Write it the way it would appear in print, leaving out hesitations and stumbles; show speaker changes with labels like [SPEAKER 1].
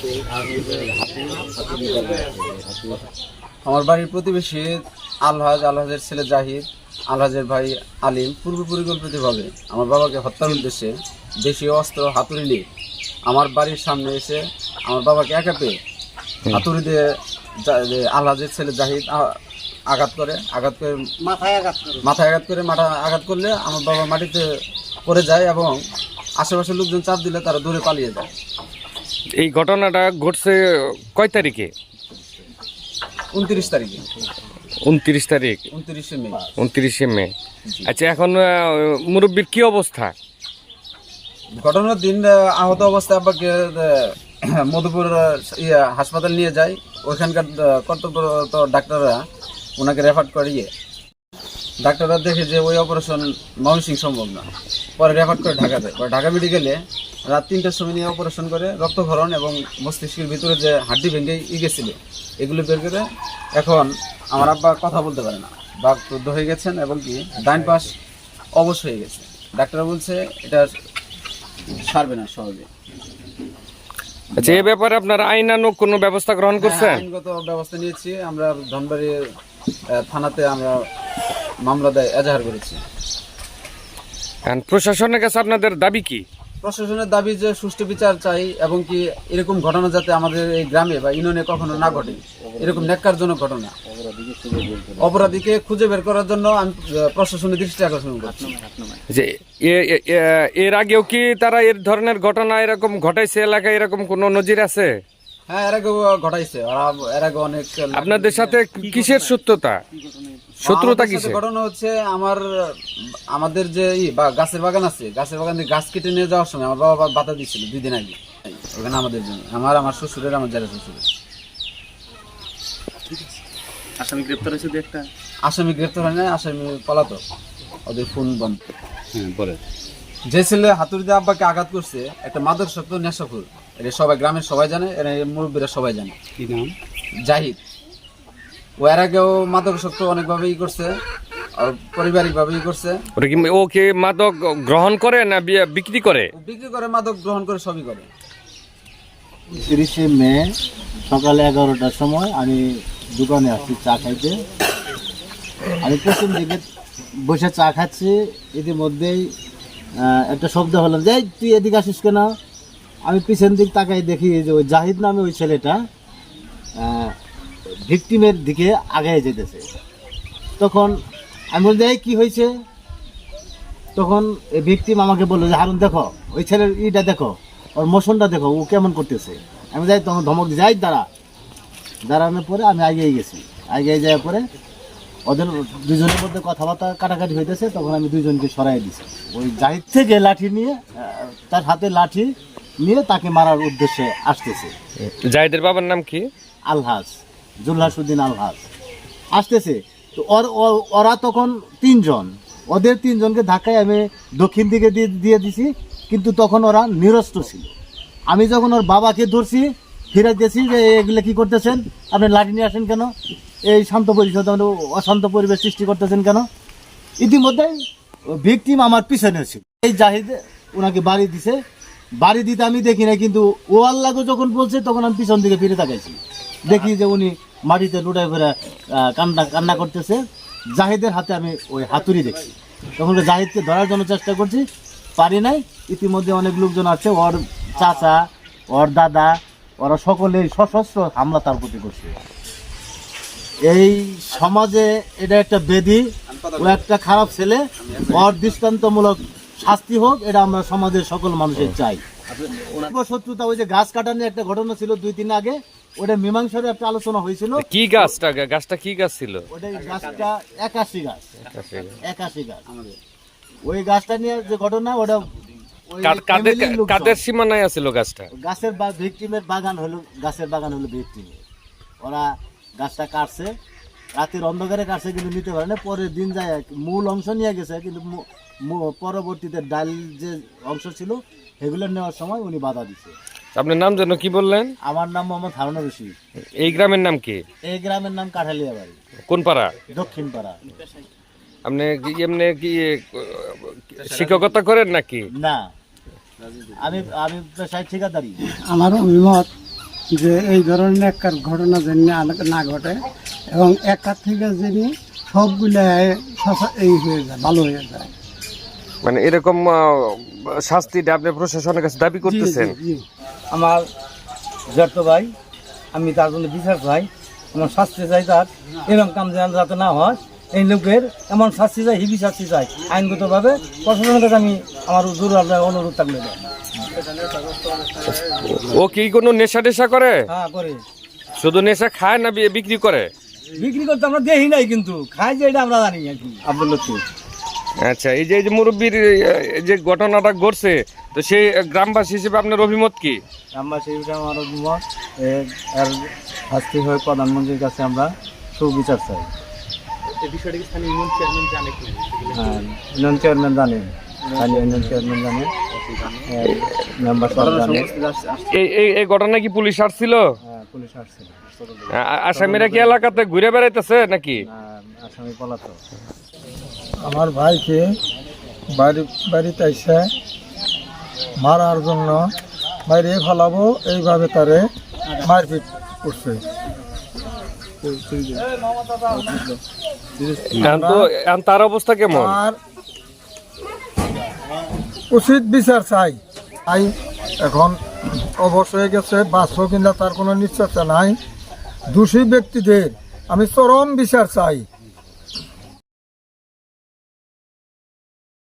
[SPEAKER 1] আমার বাড়ির প্রতিবেশী আলহাজের ছেলে জাহিদ, আলহাজের ভাই আলিম পূর্ব পরিকল্পিতভাবে আমার বাবাকে হত্যার উদ্দেশ্যে দেশীয় অস্ত্র হাতুড়ি নিয়ে আমার বাড়ির সামনে এসে আমার বাবাকে একা পেয়ে হাতুড়ি দিয়ে আলহাজের ছেলে জাহিদ আঘাত করে মাথায় আঘাত করলে আমার বাবা মাটিতে পড়ে যায় এবং আশেপাশের লোকজন চাপ দিলে তারা দূরে পালিয়ে যায়।
[SPEAKER 2] এই ঘটনাটা ঘটছে কয় তারিখে?
[SPEAKER 1] 29 তারিখে।
[SPEAKER 2] 29 তারিখ, 29শে মে। আচ্ছা, এখন মুরব্বীর কি অবস্থা?
[SPEAKER 1] ঘটনার দিন আহত অবস্থায় আব্বাকে মধুপুর হাসপাতাল নিয়ে যায়। ওইখানকার কর্তব্যরত ডাক্তাররা ওনাকে রেফার করিয়ে ডাক্তাররা দেখে যে ওই অপারেশন ময়মনসিংহ সম্ভব না, পরে রেফার করে ঢাকাতে। পরে ঢাকা মেডিকেলে রাত 3টার সময় নিয়ে অপারেশন করে রক্তক্ষরণ এবং মস্তিষ্কের ভিতরে যে হাড্ডি ভেঙে গেছিল এগুলো বের করে এখন আমার আব্বা কথা বলতে পারে না, বাকরুদ্ধ হয়ে গেছেন এবং কি ডাইন পাশ অবশ হয়ে গেছে। ডাক্তাররা বলছে এটা সারবে না সহজে।
[SPEAKER 2] আচ্ছা, এই ব্যাপারে আপনারা আইনানুগ কোনো ব্যবস্থা গ্রহণ করছেন?
[SPEAKER 1] আইনগত ব্যবস্থা নিয়েছি আমরা। ধনবাড়ি থানাতে আমরা মামলা এজাহার করেছি।
[SPEAKER 2] প্রশাসনের কাছে আপনাদের দাবি কি?
[SPEAKER 1] প্রশাসনের দাবি যে সুষ্ঠু বিচার চাই এবং কি এরকম ঘটনা যাতে আমাদের এই গ্রামে বা ইউনিয়নে কখনো না ঘটে, এরকম ন্যাক্কারজনক ঘটনা। অপরাধীকে খুঁজে বের করার জন্য আমি প্রশাসনের দৃষ্টি আকর্ষণ করছি।
[SPEAKER 2] যে এর আগেও কি তারা এর ধরনের ঘটনা এরকম ঘটাইছে এলাকায়? এরকম কোনো নজির আছে?
[SPEAKER 1] হ্যাঁ, এর আগে ঘটাইছে। এর আগে অনেক।
[SPEAKER 2] আপনাদের সাথে কিসের শত্রুতা কিসের?
[SPEAKER 1] ঘটনা হচ্ছে আমাদের যে গাছের বাগান আছে, গাছের বাগান থেকে গাছ কেটে নিয়ে যাওয়ার সময় আমার বাবা বাধা দিচ্ছিল 2 দিন আগে। ওখানে আমাদের জন্য আমার শ্বশুরের, আমার জেলা শ্বশুরের।
[SPEAKER 3] আসামি গ্রেপ্তার হয়েছে?
[SPEAKER 1] আসামি গ্রেপ্তার হয় না, আসামি পলাতক, ওদের ফোন বন্ধ।
[SPEAKER 3] বলে
[SPEAKER 1] যে ছেলে হাতুড়ি দিয়ে আব্বাকে আঘাত করছে একটা মাদকাসক্ত নেশাখোর, এটা সবাই গ্রামের সবাই জানে, এর মুরব্বীরা সবাই জানে।
[SPEAKER 3] কি নাম?
[SPEAKER 1] জাহিদ। ও এর আগেও মাদকাসক্ত অনেকভাবেই করছে, আর পারিবারিক ভাবেই করছে।
[SPEAKER 2] ও কি মাদক গ্রহণ করে না বিক্রি করে?
[SPEAKER 1] বিক্রি করে, মাদক গ্রহণ করে, সবই করে।
[SPEAKER 4] 30শে মে সকালে 11টার সময় আমি দোকানে আসছি চা খাইতে। আমি প্রথম দিকে বসে চা খাচ্ছি, ইতিমধ্যেই একটা শব্দ হলো যে তুই এদিকে আসিস কেন। আমি পিছন দিক তাকাই দেখি যে ওই জাহিদ নামে ওই ছেলেটা ভিকটিমের দিকে আগায় যেতেছে। তখন আমি বলছি এই কী হয়েছে? তখন এই ভিকটিম আমাকে বললো যে হারুন দেখো ওই ছেলের ইটা দেখো, ওর মোশনটা দেখো, ও কেমন করতেছে। আমি যাই, তখন ধমক দিয়ে যাই দাঁড়ানোর পরে আমি আগিয়ে গেছি। আগিয়ে যাওয়ার পরে ওদের দুজনের মধ্যে কথাবার্তা কাটাকাটি হইতেছে। তখন আমি দুজনকে সরাই দিছি। ওই জাহিদ থেকে লাঠি নিয়ে, তার হাতে লাঠি নিয়ে তাকে মারার উদ্দেশ্যে আসতেছে।
[SPEAKER 2] জাহিদের বাবার নাম কি?
[SPEAKER 4] আলহাজ, জুলহাসউদ্দিন আলহাজ আসতেছে। তো ওরা তখন 3 জন, ওদের 3 জনকে ধাক্কায় আমি দক্ষিণ দিকে দিয়ে দিছি, কিন্তু তখন ওরা নিরস্ত্র ছিল। আমি যখন ওর বাবাকে ধরছি, ফিরে দিয়েছি যে এগুলো কী করতেছেন, আপনি লাঠি নিয়ে আসেন কেন, এই শান্ত পরিষদ অশান্ত পরিবেশ সৃষ্টি করতেছেন কেন। ইতিমধ্যে ভিকটিম আমার পিছনে ছিল। এই জাহিদ ওনাকে বাড়ি দিছে। বাড়ি দিতে আমি দেখি না, কিন্তু ও আল্লাহকে যখন বলছে তখন আমি পিছন দিকে ফিরে তাকাইছি, দেখি যে উনি মাটিতে লুটায় ফেরা কান্না করতেছে। জাহিদের হাতে আমি ওই হাতুড়ি দেখছি। তখন জাহিদকে ধরার জন্য চেষ্টা করছি, পারি নাই। ইতিমধ্যে অনেক লোকজন আছে, ওর চাচা, ওর দাদা, ওরা সকলেই সশস্ত্র হামলা তার প্রতি করছে। এই সমাজে এটা একটা বেধি, ও একটা খারাপ ছেলে, ওর দৃষ্টান্তমূলক শাস্তি হোক, এটা আমরা সমাজের সকল মানুষের চাই। শত্রুতা, ওই যে গাছ কাটা নিয়ে একটা ঘটনা ছিল 2-3 আগে, ওটা মীমাংসার একটা আলোচনা হয়েছিল।
[SPEAKER 2] কি গাছটা কি গাছ ছিল?
[SPEAKER 4] ওটা গাছটা 81 গাছ। ওই গাছটা নিয়ে যে ঘটনা, ওটা
[SPEAKER 2] কাদের সীমানায় আছিল গাছটা?
[SPEAKER 4] গাছের ভিকটিমের বাগান হলো, গাছের বাগান হলো ভিকটিমের। ওরা গাছটা কাটছে, রাতের অন্ধকারে কাটছে, কিন্তু নিতে পারে না। পরের দিন যায় মূল অংশ নিয়ে গেছে, কিন্তু পরবর্তীতে ডাল যে অংশ ছিল সেগুলো নেওয়ার সময় উনি বাধা দিছে।
[SPEAKER 2] আপনার নাম যেন কি বললেন?
[SPEAKER 4] আমার নাম মোহাম্মদ হারুন রশিদ।
[SPEAKER 2] এই গ্রামের নাম কি? এই
[SPEAKER 4] গ্রামের নাম কাঠালিয়া বাড়ি।
[SPEAKER 2] কোন পাড়া?
[SPEAKER 4] দক্ষিণ পাড়া।
[SPEAKER 2] আপনি কি শিক্ষকতা করেন নাকি?
[SPEAKER 4] না, আমি পেশায় ঠিকাদারি।
[SPEAKER 5] আমার অভিমত, যে এই ধরনের একটা ঘটনা যেন না ঘটে এবং একার থেকে যেন সবগুলো এই হয়ে যায়, ভালো হয়ে যায়।
[SPEAKER 2] মানে এরকম শাস্তিটা আপনি প্রশাসনের কাছে দাবি করতেছেন?
[SPEAKER 5] জি।
[SPEAKER 6] আমার জ্যাঠ ভাই, আমি তার জন্য বিচার চাই, আমার শাস্তি চাই তার, এরকম কাম যেন যাতে না হয়, এই লোকের এমন শাস্তি চাই, হিবি শাস্তি চাই আইনগতভাবে। প্রশাসনের কাছে আমি আমার জোর অনুরোধ থাকলে দেয়।
[SPEAKER 2] ও কি কোনো নেশা টেশা করে?
[SPEAKER 6] হ্যাঁ করে।
[SPEAKER 2] শুধু নেশা খায় না বিক্রি করে?
[SPEAKER 6] বিক্রি করতে আমরা দেখি নাই, কিন্তু খাই যে এটা আমরা জানি আর কি।
[SPEAKER 1] আব্দুল লতিফ।
[SPEAKER 2] আচ্ছা, এই যে মুরব্বীর যে ঘটনাটা ঘটছে, তো সেই গ্রামবাসী হিসেবে আপনার অভিমত কি?
[SPEAKER 6] আমরা সেই বিষয়ে আমার অভিমত, এর শাস্তি হয়ে প্রধানমন্ত্রীর কাছে আমরা সুবিচার চাই। হ্যাঁ, ইউনিয়ন চেয়ারম্যান জানেন, ইউনিয়ন চেয়ারম্যান জানেন, মেম্বার সব জানেন।
[SPEAKER 2] এই ঘটনা কি পুলিশ আসছিল?
[SPEAKER 6] হ্যাঁ, পুলিশ আসছিল।
[SPEAKER 2] আসামিরা কি এলাকাতে ঘুরে বেড়াইতেছে নাকি?
[SPEAKER 6] আসামি পলাতক।
[SPEAKER 5] আমার ভাইকে বাড়িতে এসে মারার জন্য বাইরে ফেলাবো এইভাবে তারে মারপিট করছে।
[SPEAKER 2] এখন তার অবস্থা কেমন?
[SPEAKER 5] আর উচিত বিচার চাই। এখন অবশ হয়ে গেছে, বাঁচবো কিনা তার কোনো নিশ্চয়তা নাই। দোষী ব্যক্তিদের আমি চরম বিচার চাই।